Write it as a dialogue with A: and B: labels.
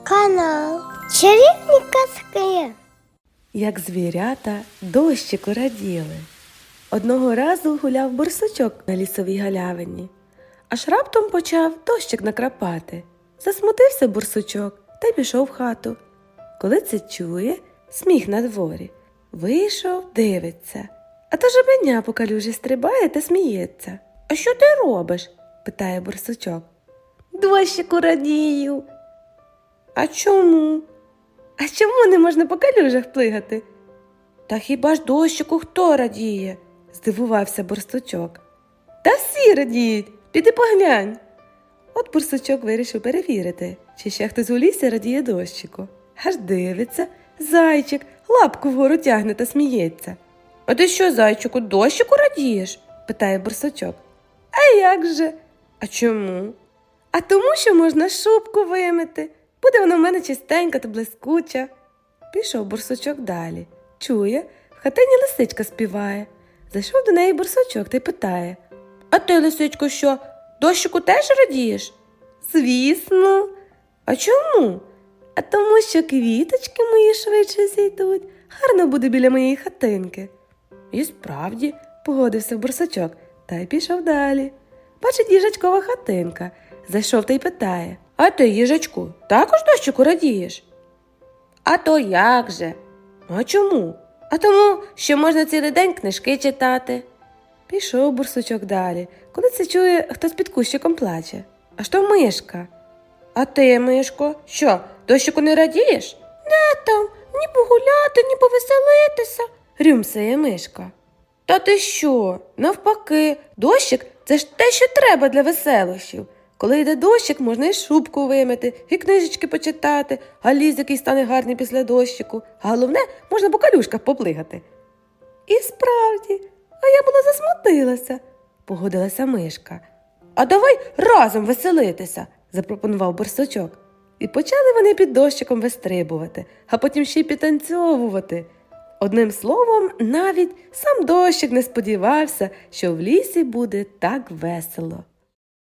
A: Канал Чарівні казки.
B: Як звірята дощику раділи. Одного разу гуляв борсучок на лісовій галявині. Аж раптом почав дощик накрапати. Засмутився борсучок та й пішов в хату. Коли це чує, сміх на дворі. Вийшов, дивиться. А то жабеня по калюжі стрибає та сміється. «А що ти робиш?» – питає борсучок. «Дощику радію». «А чому?» «А чому не можна по калюжах плигати?» «Та хіба ж дощику хто радіє?» – здивувався борсучок. «Та всі радіють, піди поглянь». От борсучок вирішив перевірити, чи ще хтось у лісі радіє дощику. Аж дивиться, зайчик лапку вгору тягне та сміється. «А ти що, зайчику, дощику радієш?» – питає борсучок. «А як же?» «А чому?» «А тому, що можна шубку вимити. Буде вона в мене чистенька та блискуча». Пішов борсучок далі. Чує, в хатині лисичка співає. Зайшов до неї борсучок та й питає. «А ти, лисичко, що, дощику теж радієш?» «Звісно». «А чому?» «А тому, що квіточки мої швидше зійдуть. Гарно буде біля моєї хатинки». І справді, погодився борсучок та й пішов далі. Бачить їжачкова хатинка. Зайшов та й питає. «А ти, їжачку, також дощику радієш?» «А то як же?» «А чому?» «А тому, що можна цілий день книжки читати». Пішов борсучок далі. Коли це чує, хтось під кущиком плаче. «Аж то мишка». «А ти, мишко, що, дощику не радієш?» «Не там, ні погуляти, ні повеселитися», – рюмсає мишка. «Та ти що? Навпаки, дощик – це ж те, що треба для веселощів. Коли йде дощик, можна і шубку вимити, і книжечки почитати, а ліс, який стане гарний після дощику. А головне, можна по калюшках поплигати». І справді, а я була засмутилася, погодилася мишка. «А давай разом веселитися», – запропонував борсучок. І почали вони під дощиком вистрибувати, а потім ще й підтанцьовувати. Одним словом, навіть сам дощик не сподівався, що в лісі буде так весело.